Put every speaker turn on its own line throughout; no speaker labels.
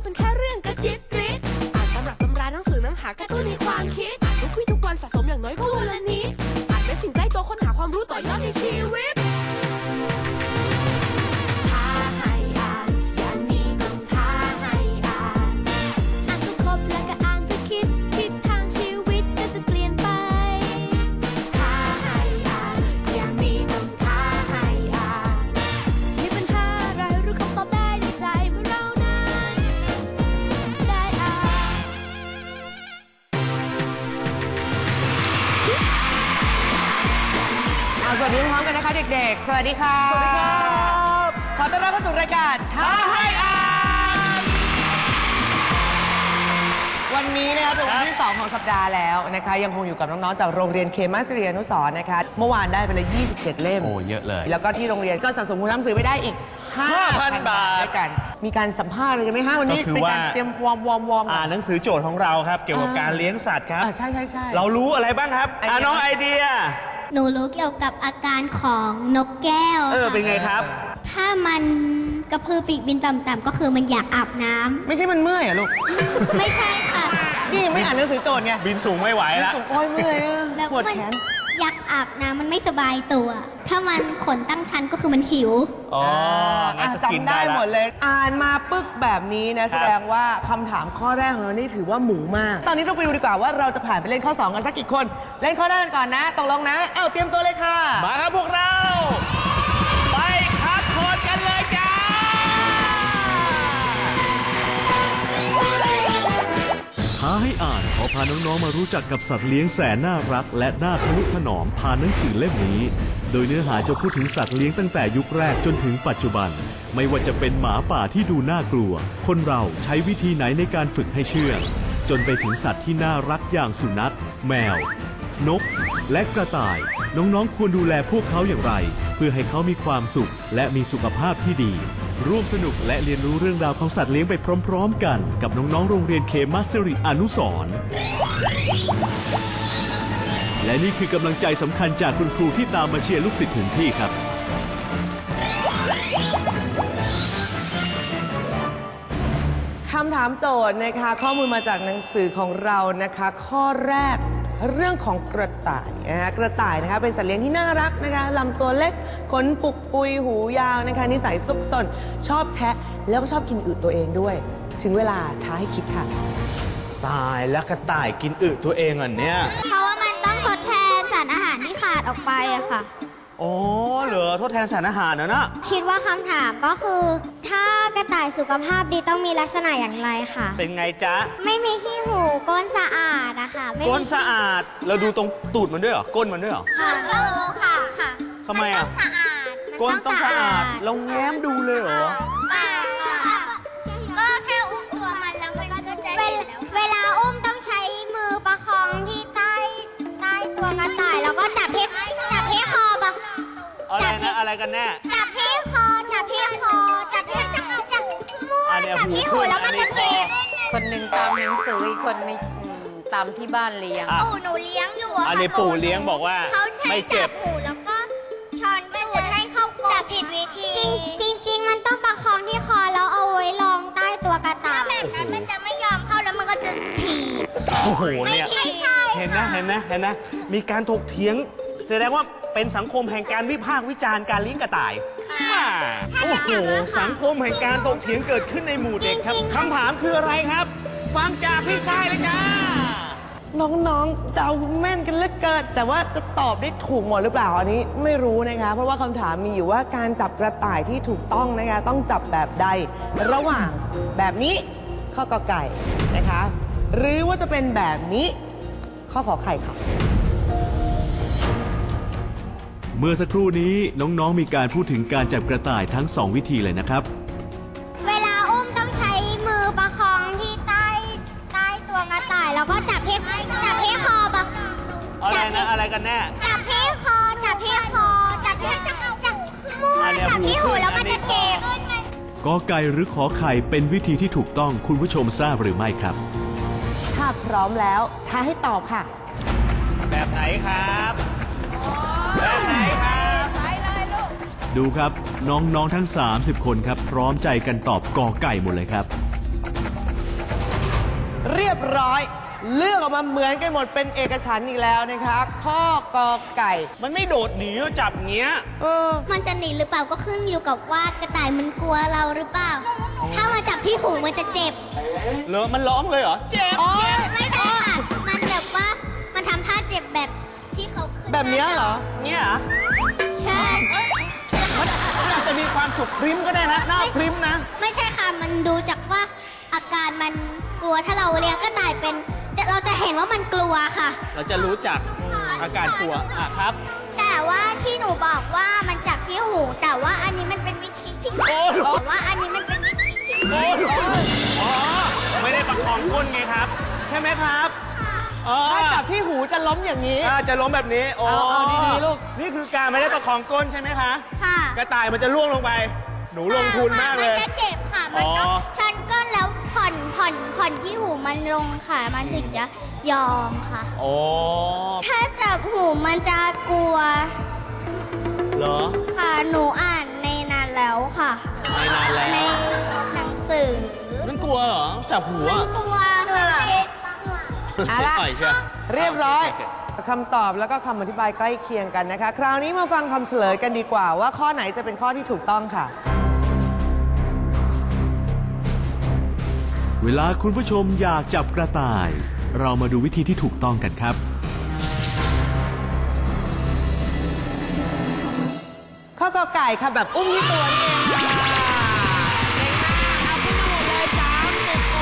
เป็นแค่เรื่องกระจิบกริบอ่านตำรับตำราหนังสือน้ำหากระตุ้นในความคิดอ่านทุกวี่ทุกวันสะสมอย่างน้อยก็วันละนิดอ่านเป็นสิ่งใกล้ตัวค้นหาความรู้ต่อยอดในชีวิตท้าให้อ่านอย่างนี้ต้องท้าให้อ่านอ่านจนครบแล้วก็อ่านไปคิดทิศทางชีวิตก็จะเปลี่ยนไปท้าให้อ่านอย่างนี้ต้องท้าให้อ่านมีปัญหาอะไรรู้คำตอบได้ในใจเมื่อเรานั้นได้อ่าน
สวัสดีพร้อมกันนะคะเด็กๆสวัสดีค่ะสวัสดีครับขอต้อนรับเข้าสู่รายการท้าให้อ่านวันนี้นะคะเป็นวันที่2ของสัปดาห์แล้วนะคะยังคงอยู่กับน้องๆจากโรงเรียนเคมัสเรียนุสรณ์นะคะเมื่อวานได้ไปเลย27 เล่ม
โอ้เยอะเลย
แล้วก็ที่โรงเรียนก็สะสมคุณหนังสือไปได้อีก 5,000 บาทด้วยกันมีการสัมภาษณ์อะไรกันไหมฮะวันนี้เป็นการเตรียมวอร์ม
อ่านหนังสือโจทย์ของเราครับเกี่ยวกับการเลี้ยงสัตว์ครับ
ใช่
เรารู้อะไรบ้างครับน้องไอเดีย
หนูรู้เกี่ยวกับอาการของนกแก้วค่ะ
เป็นไงครับ
ถ้ามันกระพือปีกบินต่ำๆก็คือมันอยากอาบน้ำ
ไม่ใช่มันเมื่อยเหรอลูก
ไม่ใช่ค่ะ
นี่ไม่อ่านหนังสือโจทย์ไง
บินสูงไม่ไหวแล้ว
สูงโอ้ยเมื่อย
แล้ว
ปวด
มัน
แขน
อยากอาบน้ำมันไม่สบายตัว ถ้ามันขนตั้งชั้นก็คือมันหิว
อ๋องั้นก็กิน
จำได้
ได้ละ
หมดเลย อ่านมาปึ๊กแบบนี้นะแสดงว่าคำถามข้อแรกของเรานี่ถือว่าหมูมาก ตอนนี้เราไปดูดีกว่าว่าเราจะผ่านไปเล่นข้อ 2 กันสักกี่คน เล่นข้อแรกกันก่อนนะตกลงนะเตรียมตัวเลยค่ะ
มาครับพวกเรา ไปคัดโคนกันเลยจ้า
ท้าให้อ่านขอพาน้องๆมารู้จักกับสัตว์เลี้ยงแสนน่ารักและน่าทนุถนอมผ่านหนังสือเล่มนี้ โดยเนื้อหาจะพูดถึงสัตว์เลี้ยงตั้งแต่ยุคแรกจนถึงปัจจุบัน ไม่ว่าจะเป็นหมาป่าที่ดูน่ากลัว คนเราใช้วิธีไหนในการฝึกให้เชื่องจนไปถึงสัตว์ที่น่ารักอย่างสุนัขแมวนกและกระต่ายน้องๆควรดูแลพวกเขาอย่างไร เพื่อให้เขามีความสุขและมีสุขภาพที่ดีร่วมสนุกและเรียนรู้เรื่องราวของสัตว์เลี้ยงไปพร้อมๆกันกับน้องๆโรงเรียนเคมัสริอนุสรณ์และนี่คือกำลังใจสำคัญจากคุณครูที่ตามมาเชียร์ลูกศิษย์ถึงที่ครับ
คำถามโจทย์นะคะข้อมูลมาจากหนังสือของเรานะคะข้อแรกเรื่องของกระต่ายนะคะกระต่ายนะคะเป็นสัตว์เลี้ยงที่น่ารักนะคะลำตัวเล็กขนปุกปุยหูยาวนะคะนิสัยซุกซนชอบแทะแล้วก็ชอบกินอึตัวเองด้วย ถึงเวลาท้าให้คิดค่ะ
ตายแล้วกระต่ายกินอึตัวเองเหรอเนี่ย
เพราะว่ามันต้องทดแทนสารอาหารที่ขาดออกไปอะค่ะ
อ๋อเหรอทดแทนสารอาหารนะ
คิดว่าคำถามก็คือ ถ้ากระต่ายสุขภาพดีต้องมีลักษณะอย่างไรค่ะ
เป็นไงจ๊ะ
ไม่มีขี้หูก้นสะอาดอะค่ะไม่มี
ก้นสะอาด เราดูตรงตูดมันด้วยเหรอ ก้นมันด้วยเหรอ
ค่ะค่ะ
ทำไมอ่ะ
สะอาด
ก้นต้องสะอาด เราแง้มดูเลยเหรอ
ก็แค่อุ้มตัวมันแล้วมันก็จะเวลาอุ้มต้องใช้มือประคองที่ใต้ตัวกระต่ายแล้วก็จับที่คอปะ
อะไรนะ อะไรกันแน่
จับที่คอจับที่หู
อันเนี้ย
จับที่หูแล้วมันจะเจ็บ
คนหนึ่งตามหนังสืออีกคนนึงตามที่บ้านเลี้ยง
อ่ะ
ปู่หนูเลี้ยงอยู่
อันนี้ปู่เลี้ยงบอกว่า
เขาใช้
ไม่เจ็บ
จับหูแล้วก็ช้อนตูดให้เข้ากรงจับผิดวิธีจริงมันต้องประคองที่คอแล้วเอาไว้รองใต้ตัวกระต่ายถ้าแบบนั้นมันจะไม่ยอมเข้าแล้วมันก็จะถีบ
โอ้โหเนี่ย
ไม่ใช่
เห็นนะมีการถกเถียงแสดงว่าเป็นสังคมแห่งการวิพากษ์วิจารณ์การเลี้ยงกระต่ายโอ้โหสังคมแห่งการถกเถียงเกิดขึ้นในหมู่เด็กครับคำถามคืออะไรครับ ฟังจากพี่ชายเลยจ้า
น้องๆเดาแม่นกันเหลือเกินแต่ว่าจะตอบได้ถูกหมดหรือเปล่าอันนี้ไม่รู้นะคะเพราะว่าคำถามมีอยู่ว่าการจับกระต่ายที่ถูกต้องนะคะต้องจับแบบใดระหว่างแบบนี้ข้อกอไก่นะคะหรือว่าจะเป็นแบบนี้ข้อขอไข่ค่ะ
เมื่อสักครู่นี้น้องๆมีการพูดถึงการจับกระต่ายทั้ง2วิธีเลยนะครับ
เวลาอุ้มต้องใช้มือประคองที่ใต้ตัวกระต่ายแล้วก็จับที่คอปะ
อะไรนะ อะไรกันแน่
จับที่คอจับที่มือ
อันเนี้ย
จับที่หูแล้วมันจะเจ็บ
กอไก่หรือขอไข่เป็นวิธีที่ถูกต้องคุณผู้ชมทราบหรือไม่ครับ
ถ้าพร้อมแล้วท้าให้ตอบค่ะ
แบบไหนครับ แบบไหนครับ
ดูครับน้องๆทั้ง30คนครับพร้อมใจกันตอบกอไก่หมดเลยครับ
เรียบร้อย เลือกออกมาเหมือนกันหมดเป็นเอกฉันท์อีกแล้วนะคะ ข้อกอไก่
มันไม่โดดหนีจับเงี้ย
มันจะหนีหรือเปล่าก็ขึ้นอยู่กับว่ากระต่ายมันกลัวเราหรือเปล่า ถ้ามาจับที่หูมันจะเจ็บ
เหรอมันร้องเลยเหรอ เจ็บ
ไม่ใช่ค่ะ มันแบบว่ามันทำท่าเจ็บแบบที่เขาขึ้น
แบบเนี้ยเหรอ
เนี่ยเหรอ
ใช่
อาจจะมีความสุขพริ้มก็ได้นะ หน้าพริ้มนะ
ไม่ใช่ค่ะ มันดูจากว่าอาการมันกลัวถ้าเราเลี้ยงกระต่ายเป็นเราจะเห็นว่ามันกลัวค่ะ
เราจะรู้จักอาการกลัวครับ
แต่ว่าที่หนูบอกว่ามันจับที่หู แต่ว่าอันนี้มันเป็นวิธีที่
โอ้ย
แต่ว่าอันนี้มันเป็นวิธีที่
โอ้ยอ๋อ ไม่ได้ประคองก้นไงครับ ใช่ไหมครับอ๋อ
ถ้าจับที่หูจะล้มอย่างนี้
จะล้มแบบนี้ โอ้
เอาดีๆลูก
นี่คือการไม่ได้ประคองก้นใช่ไหมคะ
ค่ะ
กระต่ายมันจะล่วงลงไป หนูลงทุนมากเลย
มันจะเจ็บค่ะ มันต้องชันก้นแล้วผ่อนที่หูมันลงค่ะ มันถึงจะยอมค่ะ
โอ้
ถ้าจับหูมันจะกลัว
เหรอ
ค่ะ หนูอ่านในนั้นแล้วค่ะ
ไม่นานแล้ว
ในหนังสือ
มันกลัวเหรอ จับหัว
มันกลัวค่ะ
เอาละ
ปล่อยเชียว
เรียบร้อย
โเค
คำตอบแล้วก็คำอธิบายใกล้เคียงกันนะคะ คราวนี้มาฟังคำเฉลยกันดีกว่า ว่าข้อไหนจะเป็นข้อที่ถูกต้องค่ะ
เวลาคุณผู้ชมอยากจับกระต่าย เรามาดูวิธีที่ถูกต้องกันครับ
ข้อกอไก่ค่ะแบบอุ้มที่ตัวนี่เองค่ะเก่งมากเอาขึ้นมาหมดเลย30 คน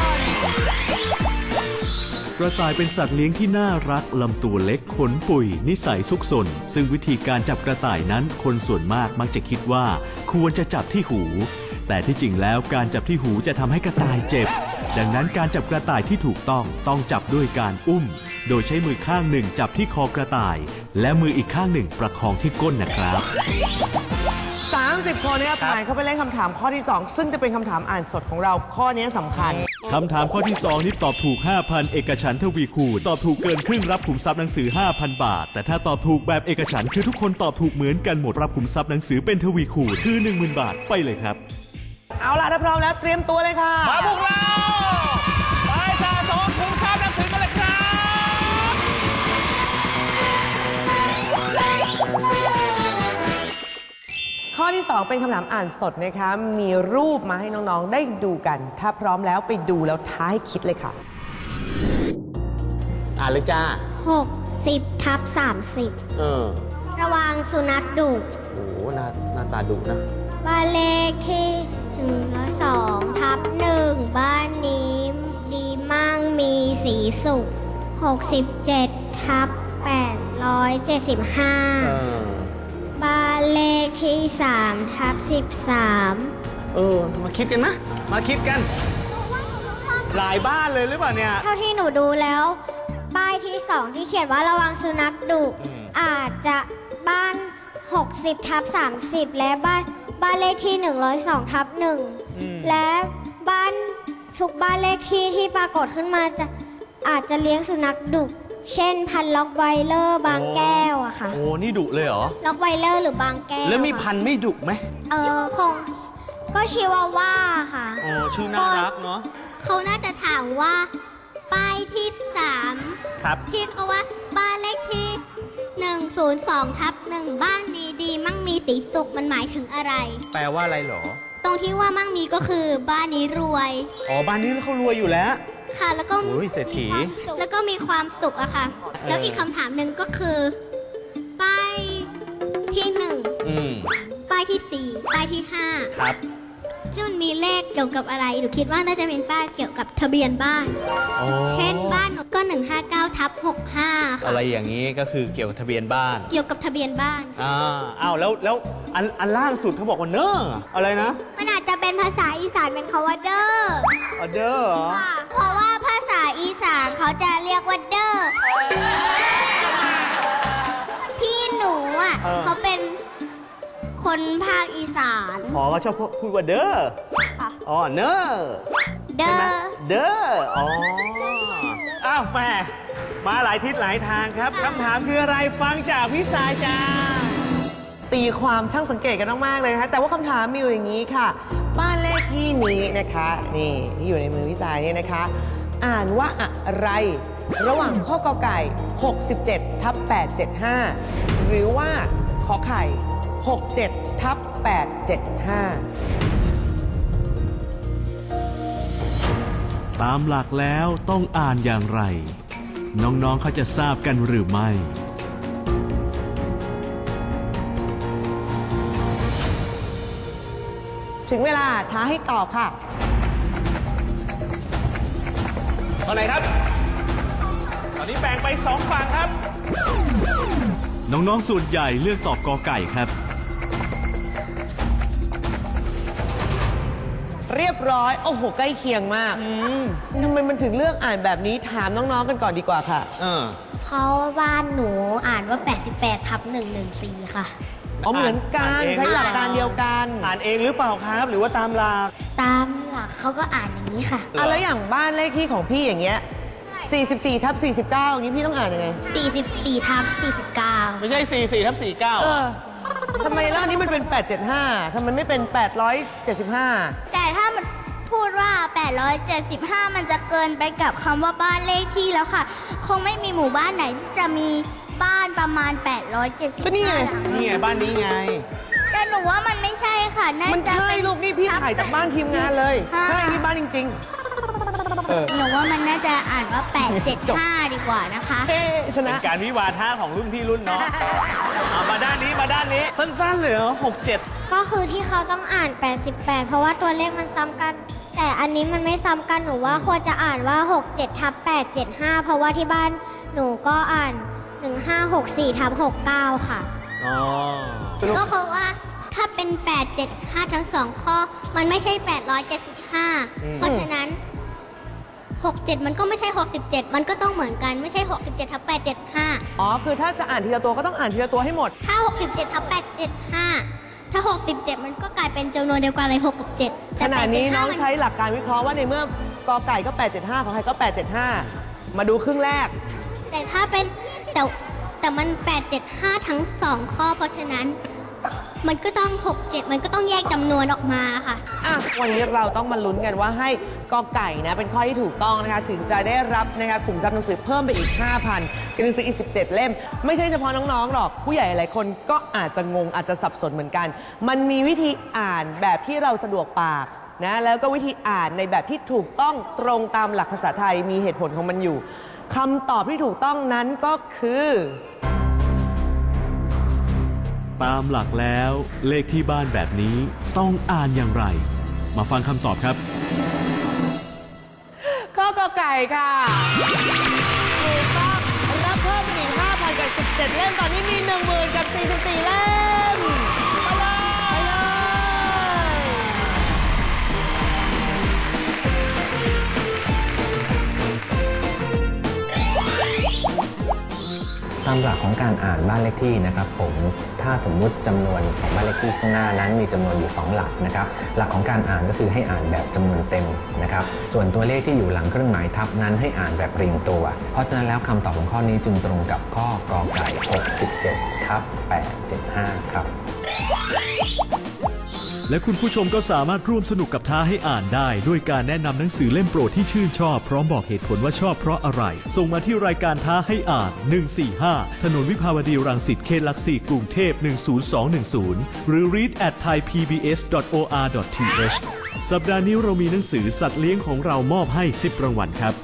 กระต่ายเป็นสัตว์เลี้ยงที่น่ารักลำตัวเล็กขนปุยนิสัยซุกซนซึ่งวิธีการจับกระต่ายนั้นคนส่วนมากมักจะคิดว่าควรจะจับที่หู แต่ที่จริงแล้วการจับที่หูจะทำให้กระต่ายเจ็บ ดังนั้นการจับกระต่ายที่ถูกต้องจับด้วยการอุ้ม โดยใช้มือข้างหนึ่งจับที่คอกระต่าย และมืออีกข้างหนึ่งประคองที่ก้นนะครับ
30 คนเนี่ยผ่านเข้าไปเล่นคำถามข้อที่ 2 ซึ่งจะเป็นคำถามอ่านสดของเราข้อนี้สำคัญ
คำถามข้อที่ 2 นี่ตอบถูก 5,000 เอกฉันท์ทวีคูณตอบถูกเกินครึ่งรับขุมทรัพย์หนังสือ 5,000 บาท แต่ถ้าตอบถูกแบบเอกฉันท์คือทุกคนตอบถูกเหมือนกันหมดรับขุมทรัพย์หนังสือเป็นทวีคูณคือ 10,000 บาทไปเลยครับ
เอาล่ะถ้าพร้อมแล้วเตรียมตัวเลยค่ะ
มาพวกเรา ไปสะสมทุนทรัพย์หนังสือกันเลยครับ
ข้อที่ 2 เป็นคำถามอ่านสดนะคะ มีรูปมาให้น้องๆ ได้ดูกัน ถ้าพร้อมแล้วไปดูแล้วท้ายคิดเลยค่ะ
อ่านเลยจ้า
60/30 ระวังสุนัขดุ
โอ้โหหน้าตาดุนะ
บ้านเลขที่102/1 บ้านนี้ดีมั่งมีสีสุข 67/875 บ้านเลขที่3/13
มาคิดกันนะ มาคิดกัน หลายบ้านเลยหรือเปล่าเนี่ย
เท่าที่หนูดูแล้ว ป้ายที่ 2 ที่เขียนว่าระวังสุนัขดุ อาจจะบ้าน 60/30 และบ้านเลขที่102/1 และบ้านทุกบ้านเลขที่ที่ปรากฏขึ้นมาอาจจะเลี้ยงสุนัขดุเช่นพันธุ์ล็อกไวเลอร์บางแก้วอะค่ะ
โอ้ นี่ดุเลยเหรอ
ล็อกไวเลอร์หรือบางแก้ว
แล้วมีพันธุ์ไม่ดุไหม
คงก็ชิวาว่าค่ะ
โอ้ ชื่อน่ารักเนาะ
เขาน่าจะถามว่า ป้ายที่ 3
ครับ
ที่เขาว่าบ้านเลขที่ 102/1 บ้านนี้ดีมั่งมีสีสุขมันหมายถึงอะไร
แปลว่าอะไรเหรอ
ตรงที่ว่ามั่งมีก็คือบ้านนี้รวย
อ๋อ บ้านนี้เขารวยอยู่แล้ว
ค่ะ แล้วก็
โอ้ยเศรษฐี
แล้วก็มีความสุขอะค่ะ แล้วอีกคำถามหนึ่งก็คือ ป้ายที่
อืม
1 ป้ายที่ 4 ป้ายที่
ครับ
5 ที่มันมีเลขเกี่ยวกับอะไรหนูคิดว่าน่าจะเป็นป้ายเกี่ยวกับทะเบียนบ้าน
อ๋อ
เช่นบ้านหนูก็ 159/65 ค่ะ
อะไรอย่างนี้ก็คือเกี่ยวกับทะเบียนบ้าน
เกี่ยวกับทะเบียนบ้าน
อ้าวแล้วอันล่างสุดเขาบอกว่าเนอร์อะไรนะ
มันอาจจะเป็นภาษาอีสานเป็นคำว่าเด้อ
อเดอร์เหรอ
เพราะว่าภาษาอีสานเขาจะเรียกว่าเด้อ พี่หนูอ่ะเขาเป็นคนภาคอีสาน
อ๋อก็ชอบพูดว่าเดอร์
ค่ะ
อ๋อเนอร์
เด้อ
เดอร์อ๋อ อ้าวแม่มาหลายทิศหลายทางครับ คำถามคืออะไรฟังจากพี่สายจ้า
ตีความช่างสังเกตกันมากๆเลยนะคะแต่ว่าคำถามมีอยู่อย่างนี้ค่ะ บ้านเลขที่นี้นะคะ นี่ที่อยู่ในมือพี่สายเนี่ยนะคะอ่านว่าอะไร ระหว่างข้อกอไก่ 67/875 หรือว่าขอไข่ 67/875
ตามหลักแล้วต้องอ่านอย่างไร น้องๆเขาจะทราบกันหรือไม่
ถึงเวลาท้าให้ตอบค่ะ
ตอนไหนครับ ตอนนี้แบ่งไป2ฝั่งครับ
น้องๆส่วนใหญ่เลือกตอบกอไก่ครับ
เรียบร้อย โอ้โห ใกล้เคียงมากทำไมมันถึงเลือกอ่านแบบนี้ถามน้องๆกันก่อนดีกว่าค่ะ
เพราะว่าบ้านหนูอ่านว่า 88/114 ค่ะ
อ๋อเหมือนกัน
อ่านเอง
ใช้หลักการเดียวกัน
อ่านเองหรือเปล่าครับ หรือว่าตามหลัก
ตามหลักเขาก็อ่านอย่างนี้ค่ะ
อ่ะแล้วอย่างบ้านเลขที่ของพี่อย่างเงี้ย 44/49 อย่างนี้พี่ต้องอ่านยังไง
44/49
ไม่ใช่ 44/49
ทำไมแล้วอันนี้มันเป็น 875ทำไมไม่เป็น 875
แต่ถ้ามันพูดว่า 875 มันจะเกินไปกับคำว่าบ้านเลขที่แล้วค่ะ คงไม่มีหมู่บ้านไหนที่จะมีบ้านประมาณ 875
ก็นี่ไง
นี่ไงบ้านนี้ไง
แต่หนูว่ามันไม่ใช่ค่ะน่า
มัน
จะ
ใช่
เป็น
ลูกนี่พี่ถ่ายจากบ้านทีมงานเลย
ค่ะ
ใช่ นี่บ้านจริง
หนูว่ามันน่าจะอ่านว่า 875 ดีกว่านะคะ
ๆ เอ๊ะช
เป็
นะ
นการวิวาทะของรุ่นพี่รุ่นน้อง เอามาด้านนี้มาด้านนี้ สั้นๆเลยเหรอ67
ก็คือที่เขาต้องอ่าน 88 เพราะว่าตัวเลขมันซ้ำกัน แต่อันนี้มันไม่ซ้ำกันหนูว่าควรจะอ่านว่า 67/875 เพราะว่าที่บ้านหนูก็อ่าน 1564/69 ค่ะ
อ๋อ
ก็เพราะว่าถ้าเป็น 875 ทั้ง 2 ข้อ มันไม่ใช่ 875 เพราะฉะนั้น 67 มันก็ไม่ใช่ 67 มันก็ต้องเหมือนกันไม่ใช่ 67/875
อ๋อ คือถ้าจะอ่านทีละตัวก็ต้องอ่านทีละตัวให้หมด
ถ้า 67/875 ถ้า 67 มันก็กลายเป็นจำนวนเดียวกันเลย 6 กับ 7
ขณะนี้น้อง
มั
ใช้หลักการวิเคราะห์ว่าในเมื่อกอไก่ก็ 875 ของใครก็ 875 มาดูครึ่งแรก
แต่ถ้าเป็นแต่มัน 875 ทั้ง 2 ข้อ เพราะฉะนั้น มันก็ต้อง 67 มันก็ต้องแยกจำนวนออกมาค่ะ
อ่ะ วันนี้เราต้องมาลุ้นกันว่าให้กอไก่นะเป็นข้อที่ถูกต้องนะคะ ถึงจะได้รับนะคะกลุ่มทรัพย์หนังสือเพิ่มไปอีก 5,000กับหนังสืออีก 17 เล่ม ไม่ใช่เฉพาะน้องๆหรอก ผู้ใหญ่หลายคนก็อาจจะงงอาจจะสับสนเหมือนกัน มันมีวิธีอ่านแบบที่เราสะดวกปากนะแล้วก็วิธีอ่านในแบบที่ถูกต้องตรงตามหลักภาษาไทยมีเหตุผลของมันอยู่คำตอบที่ถูกต้องนั้นก็คือ
ตามหลักแล้วเลขที่บ้านแบบนี้ต้องอ่านอย่างไร มาฟังคำตอบครับ
ข้อกอไก่ค่ะถูกต้องรับเพิ่มอีก 5,000 กับ 17 เล่ม ตอนนี้มี 10,000 กับ 44 เล่ม ไปเลย
ตามหลักของการอ่านบ้านเลขที่นะครับผมถ้าสมมุติจำนวนของบ้านเลขที่ข้างหน้านั้นมีจำนวนอยู่2หลักนะครับหลักของการอ่านก็คือให้อ่านแบบจำนวนเต็มนะครับส่วนตัวเลขที่อยู่หลังเครื่องหมายทับนั้นให้อ่านแบบเรียงตัว เพราะฉะนั้นแล้วคำตอบของข้อนี้จึงตรงกับข้อกอไก่67/875 ครับ
และคุณผู้ชมก็สามารถร่วมสนุกกับท้าให้อ่านได้ด้วยการแนะนำหนังสือเล่มโปรดที่ชื่นชอบพร้อมบอกเหตุผลว่าชอบเพราะอะไร ส่งมาที่รายการท้าให้อ่าน 145 ถนนวิภาวดีรังสิตเขตหลักสี่กรุงเทพ 10210 หรือ read@thaipbs.or.th สัปดาห์นี้เรามีหนังสือสัตว์เลี้ยงของเรามอบให้ 10 รางวัลครับ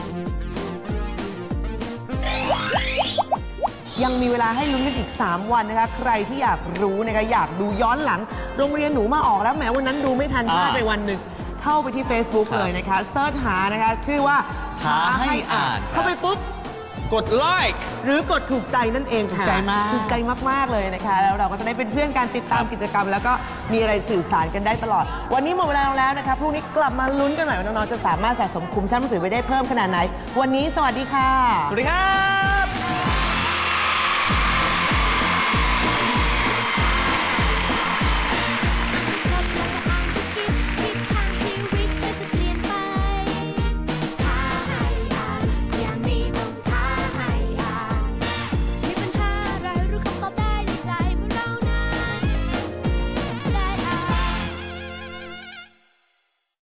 ยังมีเวลาให้ลุ้นกันอีก 3 วันนะคะ ใครที่อยากรู้นะคะอยากดูย้อนหลัง โรงเรียนหนูมาออกแล้วแหมวันนั้นดูไม่ทันพลาดไปวันหนึ่งเข้าไปที่ Facebook
ครับ
เลยนะคะเซิร์ชหานะคะชื่อว่า
ท้าให้อ่านครับ
เข้าไปปุ๊บ
กดไลค์
หรือกดถูกใจนั่นเองค่ะ
ถูกใจมาก
ถูกใจมากๆเลยนะคะ แล้วเราก็จะได้เป็นเพื่อนกันติดตามกิจกรรม แล้วก็มีอะไรสื่อสารกันได้ตลอด วันนี้หมดเวลาแล้วนะคะพรุ่งนี้กลับมาลุ้นกันใหม่ว่าน้องๆจะสามารถสะสมคุ้มทรัพย์หนังสือไปได้เพิ่มขนาดไหน วันนี้สวัสดีค่ะ
สวัสดีครับ